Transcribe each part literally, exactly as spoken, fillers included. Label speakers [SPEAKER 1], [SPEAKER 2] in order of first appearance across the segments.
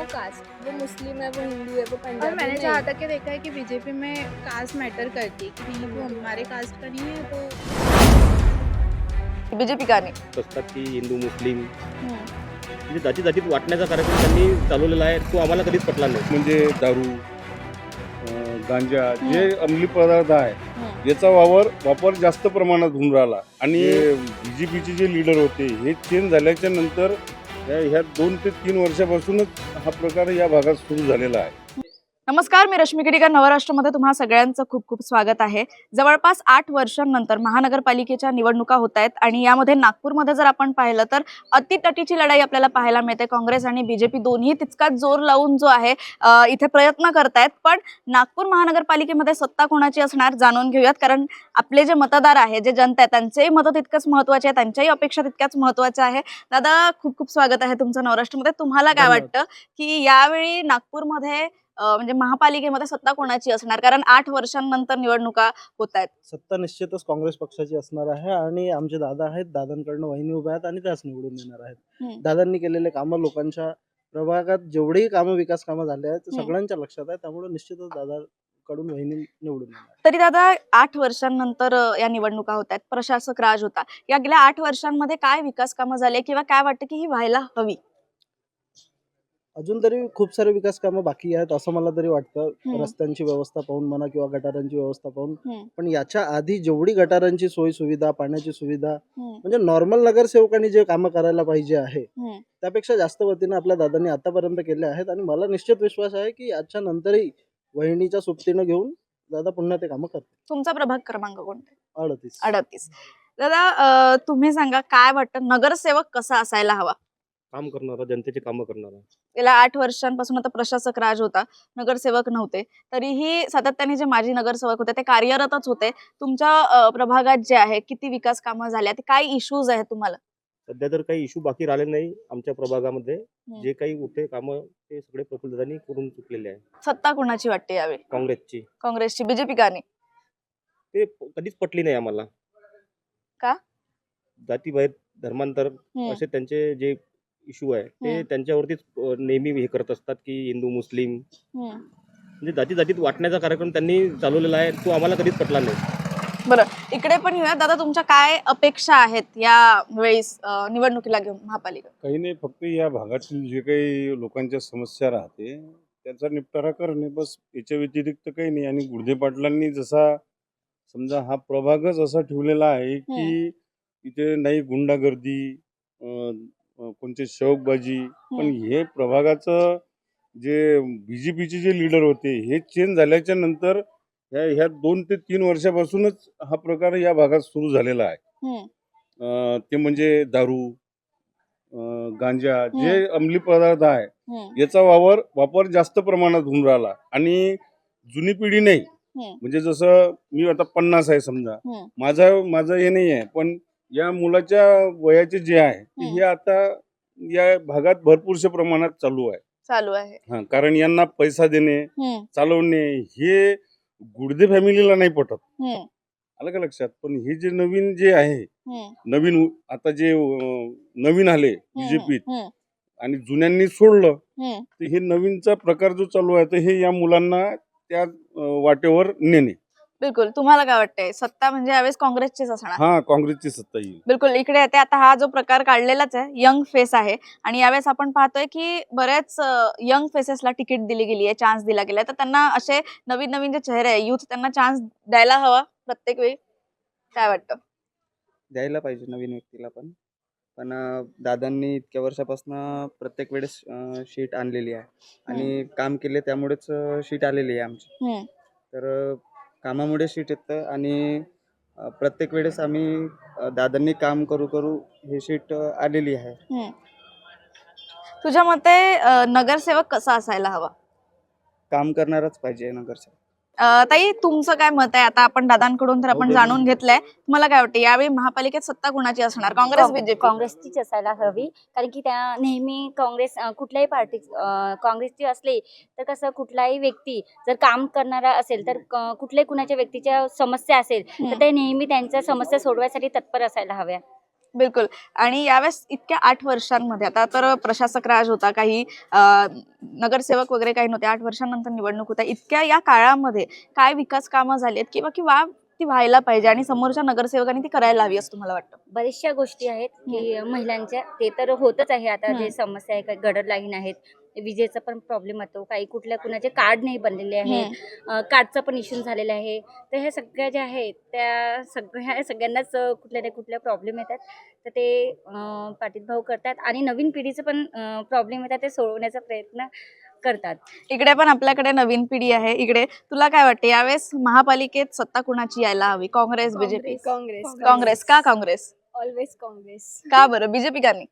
[SPEAKER 1] Caste, वो मुस्लिम है, वो हिंदू है, वो
[SPEAKER 2] और
[SPEAKER 1] पंजाबी
[SPEAKER 2] मैंने
[SPEAKER 1] नहीं।
[SPEAKER 2] जहाँ तक ये देखा है कि बीजेपी में कास्ट मैटर करती है कि नहीं, वो हमारे कास्ट का नहीं है तो
[SPEAKER 3] बीजेपी का नाही.
[SPEAKER 4] असतात की हिंदू मुस्लिम
[SPEAKER 2] हम्म.
[SPEAKER 4] म्हणजे जाती जातीत वाटण्याचा कार्यक्रम त्यांनी चालवलेला आहे तो आम्हाला कधीच पटला नाही.
[SPEAKER 5] म्हणजे दारू अं, गांजा
[SPEAKER 2] हम्म.
[SPEAKER 5] जे अंमली पदार्थ आहे
[SPEAKER 2] हम्म.
[SPEAKER 5] याचा वापर वापर जास्त प्रमाणात होऊन राहिला आणि बीजेपीचे जे लीडर होते हे चेंज झाल्याच्या नंतर या- ह्या दोन ते तीन वर्षापासूनच हा प्रकार या भागात सुरू झालेला आहे.
[SPEAKER 3] नमस्कार, मी रश्मी केडिकर. नवराष्ट्रमध्ये तुम्हा सगळ्यांचं खूप खूप स्वागत आहे. जवळपास आठ वर्षांनंतर महानगरपालिकेच्या निवडणुका होत आहेत आणि यामध्ये नागपूरमध्ये जर आपण पाहिलं तर अतितटीची लढाई आपल्याला पाहायला मिळते. काँग्रेस आणि बीजेपी दोन्ही तितकाच जोर लावून जो आहे अ, इथे प्रयत्न करतायत. पण नागपूर महानगरपालिकेमध्ये सत्ता कोणाची असणार जाणून घेऊयात, कारण आपले जे मतदार आहे, जे जनता आहे, त्यांचेही मतं तितकंच महत्वाचे आहे, त्यांच्याही अपेक्षा तितक्याच महत्वाच्या आहे. दादा, खूप खूप स्वागत आहे तुमचं नवराष्ट्रमध्ये. तुम्हाला काय वाटतं की यावेळी नागपूरमध्ये अ, म्हणजे महापालिकेमध्ये सत्ता कोणाची असणार, कारण आठ वर्षांनंतर निवडणुका होत आहेत?
[SPEAKER 6] सत्ता निश्चितच काँग्रेस पक्षाची असणार आहे आणि आमचे दादा आहेत, दादांकडनं वहिनी उभ्या आहेत आणि त्याच निवडून येणार आहेत.
[SPEAKER 3] हम्म.
[SPEAKER 6] दादांनी केलेले कामं लोकांच्या प्रभागात जेवढेही कामं विकास कामं झाले आहेत ते
[SPEAKER 3] हम्म.
[SPEAKER 6] सगळ्यांच्या लक्षात आहे, त्यामुळे निश्चितच दादाकडून वहिनी निवडून येणार.
[SPEAKER 3] तरी दादा, आठ वर्षांनंतर अ, या निवडणुका होत आहेत. प्रशासक राज होता. या गेल्या आठ वर्षांमध्ये काय विकास कामं झाले किंवा काय वाटतं की ही व्हायला हवी?
[SPEAKER 6] अजून तरी खूप सारे विकास कामं बाकी आहेत असं मला तरी वाटतं.
[SPEAKER 3] हम्म.
[SPEAKER 6] रस्त्यांची व्यवस्था पाहून म्हणा किंवा गटारांची व्यवस्था पाहून.
[SPEAKER 3] हम्म.
[SPEAKER 6] पण याच्या आधी जेवढी गटारांची सोयी सुविधा, पाण्याची सुविधा
[SPEAKER 3] हम्म.
[SPEAKER 6] म्हणजे नॉर्मल नगरसेवकांनी जे कामं करायला पाहिजे आहे
[SPEAKER 3] हम्म.
[SPEAKER 6] त्यापेक्षा जास्त वतीनं आपल्या दादांनी आतापर्यंत केले आहेत आणि मला निश्चित विश्वास आहे की याच्या नंतरही वहिनीच्या सोबतीनं घेऊन दादा पुन्हा ते कामं करतील.
[SPEAKER 3] तुमचा प्रभाग क्रमांक कोणता?
[SPEAKER 6] अडतीस.
[SPEAKER 3] अडतीस. दादा, अ, तुम्ही सांगा, काय वाटतं नगरसेवक कसा असायला हवा?
[SPEAKER 4] काम करणारा, जनतेची कामं करणारा.
[SPEAKER 3] गेल्या आठ वर्षांपासून आता प्रशासक राज होता, नगरसेवक नव्हते, तरीही सातत्याने जे माजी नगरसेवक होते ते कार्यरतच होते. तुमच्या अ, प्रभागात जे आहे किती विकास कामं झाल्या, ते काय इश्यूज आहेत तुम्हाला?
[SPEAKER 4] सध्या तर काही इश्यू बाकी राहिले नाही आमच्या प्रभागामध्ये.
[SPEAKER 3] हम्म.
[SPEAKER 4] जे काही मोठे कामं ते सगळे प्रफुल्लदांनी करून चुकलेले आहे.
[SPEAKER 3] सत्ता कोणाची वाटते यावेळी?
[SPEAKER 4] काँग्रेसची
[SPEAKER 3] काँग्रेसची. बीजेपी का नाही?
[SPEAKER 4] ते प- कधीच पटली नाही आम्हाला.
[SPEAKER 3] का?
[SPEAKER 4] जातीभेद, धर्मांतर
[SPEAKER 3] हम्म.
[SPEAKER 4] असे त्यांचे जे इश्यू आहे ते
[SPEAKER 3] हम्म.
[SPEAKER 4] त्यांच्यावरतीच अ, नेहमी हे करत असतात की हिंदू मुस्लिम
[SPEAKER 3] हम्म.
[SPEAKER 4] म्हणजे जाती जातीत वाटण्याचा कार्यक्रम त्यांनी चालवलेला आहे तो आम्हाला कधीच पटला नाही.
[SPEAKER 3] बरं, इकडे पण येऊया. दादा, तुमच्या काय अपेक्षा आहेत या वेळेस अ, निवडणुकीला घेऊन महापालिका?
[SPEAKER 5] काही नाही, फक्त या भागातील जे काही लोकांच्या समस्या राहते त्याचा निपटारा करणे, बस. याच्या व्यतिरिक्त काही नाही. आणि गुडदे पाटलांनी जसा समजा हा प्रभागच असा ठेवलेला आहे की इथे नाही गुंडागर्दी, अं, अं, कोणते शौकबाजी. पण हे प्रभागाचं जे बीजेपीचे जे लीडर होते हे चेंज झाल्याच्या नंतर ह्या ह्या दोन ते तीन वर्षापासूनच हा प्रकार या भागात सुरू झालेला आहे.
[SPEAKER 3] हम्म.
[SPEAKER 5] अं, ते म्हणजे दारू अं, गांजा जे
[SPEAKER 3] हम्म.
[SPEAKER 5] अंमली पदार्थ आहे
[SPEAKER 3] हम्म.
[SPEAKER 5] याचा वापर वापर जास्त प्रमाणात होऊन राहिला आणि जुनी पिढी नाही.
[SPEAKER 3] हम्म.
[SPEAKER 5] म्हणजे जसं मी आता पन्नास आहे समजा,
[SPEAKER 3] हम्म.
[SPEAKER 5] माझं माझं हे नाही आहे, पण या मुलाच्या वयाचे जे आहे ते
[SPEAKER 3] हम्म.
[SPEAKER 5] हे आता या भागात भरपूरशा प्रमाणात चालू आहे.
[SPEAKER 3] चालू आहे.
[SPEAKER 5] हा, कारण यांना पैसा देणे,
[SPEAKER 3] हम्म.
[SPEAKER 5] चालवणे हे गुडदे फॅमिलीला नाही पटत.
[SPEAKER 3] हम्म.
[SPEAKER 5] आलं का लक्षात? पण हे जे नवीन जे आहे,
[SPEAKER 3] हम्म.
[SPEAKER 5] नवीन उ- आता जे अं, नवीन आले बीजेपीत
[SPEAKER 3] हम्म.
[SPEAKER 5] आणि जुन्यांनी सोडलं,
[SPEAKER 3] हम्म.
[SPEAKER 5] तर हे नवीनचा प्रकार जो चालू आहे तर हे या मुलांना त्या अं, वाटेवर नेणे.
[SPEAKER 3] बिलकुल. तुम्हाला काय वाटतंय? सत्ता म्हणजे यावेळेस काँग्रेसचीच असणार?
[SPEAKER 5] हा, काँग्रेसची सत्ता येईल.
[SPEAKER 3] बिलकुल. इकडे येते. आता हा जो प्रकार काढलेलाच आहे, यंग फेस आहे आणि यावेळेस आपण पाहतोय की बऱ्याच यंग फेसेसला तिकीट दिली गेली आहे, चान्स दिला गेलाय. तर त्यांना असे नवीन नवीन जे चेहरे आहे, युथ, त्यांना चान्स द्यायला हवा प्रत्येक वेळी. काय वाटतं?
[SPEAKER 7] द्यायला पाहिजे नवीन व्यक्तीला पण. पण अ, दादांनी इतक्या वर्षापासून प्रत्येक वेळेस अ, शीट आणलेली आहे आणि काम केले त्यामुळेच अ, शीट आलेली आहे आमची.
[SPEAKER 3] हम्म.
[SPEAKER 7] तर अ, कामामुळे शीट येतं आणि अ, प्रत्येक वेळेस आम्ही अ, दादांनी काम करू करू हे शीट अ, आलेली आहे.
[SPEAKER 3] हम्म. तुझ्या मते अ, नगरसेवक कसा असायला हवा?
[SPEAKER 7] काम करणारच पाहिजे नगरसेवक.
[SPEAKER 3] अ, ताई, तुमचं काय मत आहे? आता आपण दादांकडून तर आपण जाणून घेतलंय. तुम्हाला काय वाटतं यावेळी महापालिकेत सत्ता कोणाची असणार? काँग्रेस,
[SPEAKER 8] काँग-
[SPEAKER 3] बीजेपी?
[SPEAKER 8] काँग्रेसचीच असायला हवी, कारण की त्या नेहमी काँग्रेस अं, कुठल्याही पार्टी काँग्रेसची असली तर कसं कुठलाही व्यक्ती जर काम करणारा असेल तर क- कुठल्याही कुणाच्या व्यक्तीच्या समस्या असेल तर ते नेहमी त्यांच्या समस्या सोडवायसाठी तत्पर असायला हव्या.
[SPEAKER 3] बिलकुल. आणि यावेळेस इतक्या आठ वर्षांमध्ये आता तर प्रशासक राज होता, काही अं, नगरसेवक वगैरे काही नव्हते. आठ वर्षांनंतर निवडणूक होता. इतक्या या काळामध्ये काय विकास कामं झालीत किंवा किंवा ती व्हायला पाहिजे आणि समोरच्या नगरसेवकांनी ती करायला हवी असं तुम्हाला वाटतं?
[SPEAKER 8] बऱ्याचशा गोष्टी आहेत की महिलांच्या ते तर होतच आहे. आता जे
[SPEAKER 3] हम्म.
[SPEAKER 8] समस्या आहे, काही गडर लाईन आहेत, विजेचा पण प्रॉब्लेम येतो, काही कुठल्या कुणाचे कार्ड नाही बनलेले आहेत, अं, कार्डचा पण इश्यू झालेला आहे. तर ह्या सगळ्या ज्या आहेत त्या सगळ्या सगळ्यांनाच अं, कुठल्या ना कुठल्या प्रॉब्लेम येतात. तर ते अं, पाठीतभाव करतात आणि नवीन पिढीचे पण प्रॉब्लेम येतात, ते सोडवण्याचा प्रयत्न करतात.
[SPEAKER 3] इकडे पण आपल्याकडे नवीन पिढी आहे. इकडे तुला काय वाटते यावेळेस महापालिकेत सत्ता कुणाची यायला हवी? काँग्रेस, बीजेपी?
[SPEAKER 1] कांग्रेस
[SPEAKER 3] कांग्रेस. का कांग्रेस?
[SPEAKER 1] ऑलवेज कांग्रेस।
[SPEAKER 3] का बरं? बीजेपी का नहीं?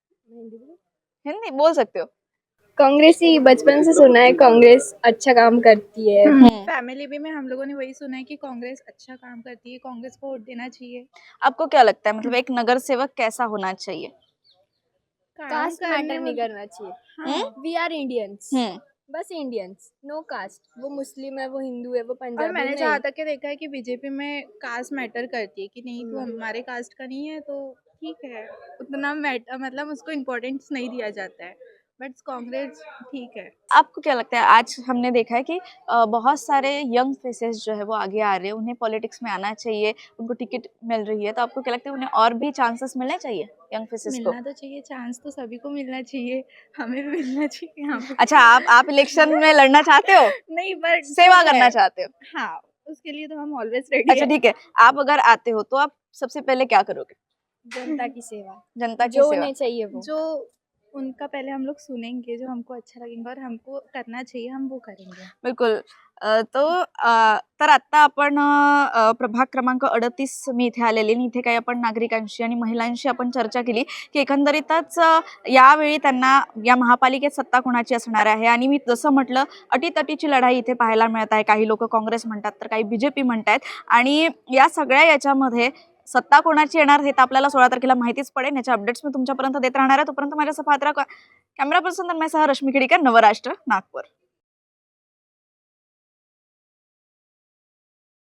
[SPEAKER 3] हिंदी बोल सकते हो.
[SPEAKER 1] कांग्रेस ही बचपन से सुना है, कांग्रेस अच्छा काम करती है।
[SPEAKER 2] फैमिली भी में हम लोगों ने वही सुना है कि कांग्रेस अच्छा काम करती है, कांग्रेस को वोट देना चाहिए।
[SPEAKER 3] आपको क्या लगता है, मतलब एक नगर सेवक कैसा होना चाहिए?
[SPEAKER 2] काम
[SPEAKER 1] कास्ट
[SPEAKER 2] करने
[SPEAKER 1] मैटर नहीं
[SPEAKER 2] वाले-
[SPEAKER 1] करना चाहिए।
[SPEAKER 2] हाँ।
[SPEAKER 1] We are Indians,
[SPEAKER 3] hmm.
[SPEAKER 1] बस इंडियंस, नो कास्ट। वो मुस्लिम है, वो हिंदू है, वो
[SPEAKER 2] और
[SPEAKER 1] पंजाबी
[SPEAKER 2] मैंने
[SPEAKER 1] नहीं।
[SPEAKER 2] जहाँ तक के देखा है कि बीजेपी में कास्ट मैटर करती है कि नहीं तू
[SPEAKER 1] हम्म।
[SPEAKER 2] हमारे कास्ट का नहीं है तो ठीक है, उतना मैटर मतलब उसको इम्पोर्टेंस नहीं दिया जाता है। बट कांग्रेस ठीक है।
[SPEAKER 3] आपको क्या लगता है, आज हमने देखा है कि अ, बहुत सारे यंग फेसेस जो है वो आगे आ रहे हैं, उन्हें पॉलिटिक्स में आना चाहिए, उनको टिकट मिल रही है, तो आपको क्या लगता है उन्हें और भी चांसेस मिलने चाहिए यंग फेसेस को?
[SPEAKER 2] मिलना तो चाहिए, चांस तो सभी को मिलना चाहिए, हमें भी मिलना चाहिए यहाँ पे।
[SPEAKER 3] अच्छा, आप आप इलेक्शन में लड़ना चाहते हो,
[SPEAKER 2] नहीं बट
[SPEAKER 3] सेवा करना चाहते हो?
[SPEAKER 2] हाँ, उसके लिए तो हम ऑलवेज रेडी
[SPEAKER 3] अच्छा ठीक है, आप अगर आते हो तो आप सबसे पहले क्या करोगे?
[SPEAKER 1] जनता की सेवा,
[SPEAKER 3] जनता की
[SPEAKER 1] जो
[SPEAKER 3] सेवा.
[SPEAKER 1] उन्हें चाहिए वो।
[SPEAKER 2] जो उनका पहले हम लोग सुनेंगे, जो हमको अच्छा लगेगा और हमको करना चाहिए, हम वो करेंगे।
[SPEAKER 3] बिलकुल. अ, तो अ, तर आता आपण अ, प्रभाग क्रमांक अडतीस मी इथे आलेली आणि इथे काही आपण नागरिकांशी आणि महिलांशी आपण चर्चा केली की एकंदरीतच अ, यावेळी त्यांना या महापालिकेत सत्ता कोणाची असणार आहे. आणि मी जसं म्हटलं, अटीतटीची लढाई इथे पाहायला मिळत आहे. काही लोक काँग्रेस म्हणतात, तर काही बीजेपी म्हणतात. आणि या सगळ्या याच्यामध्ये सत्ता कोणाची येणार हे तर आपल्याला सोळा तारखेला माहितीच पडेल. याच्या अपडेट्स मी तुमच्यापर्यंत देत राहणार आहे. तोपर्यंत माझ्यासह पाहत राहा. कॅमेरा पर्सन तर माझ्यासह रश्मी खेडीकर, नवराष्ट्र, नागपूर.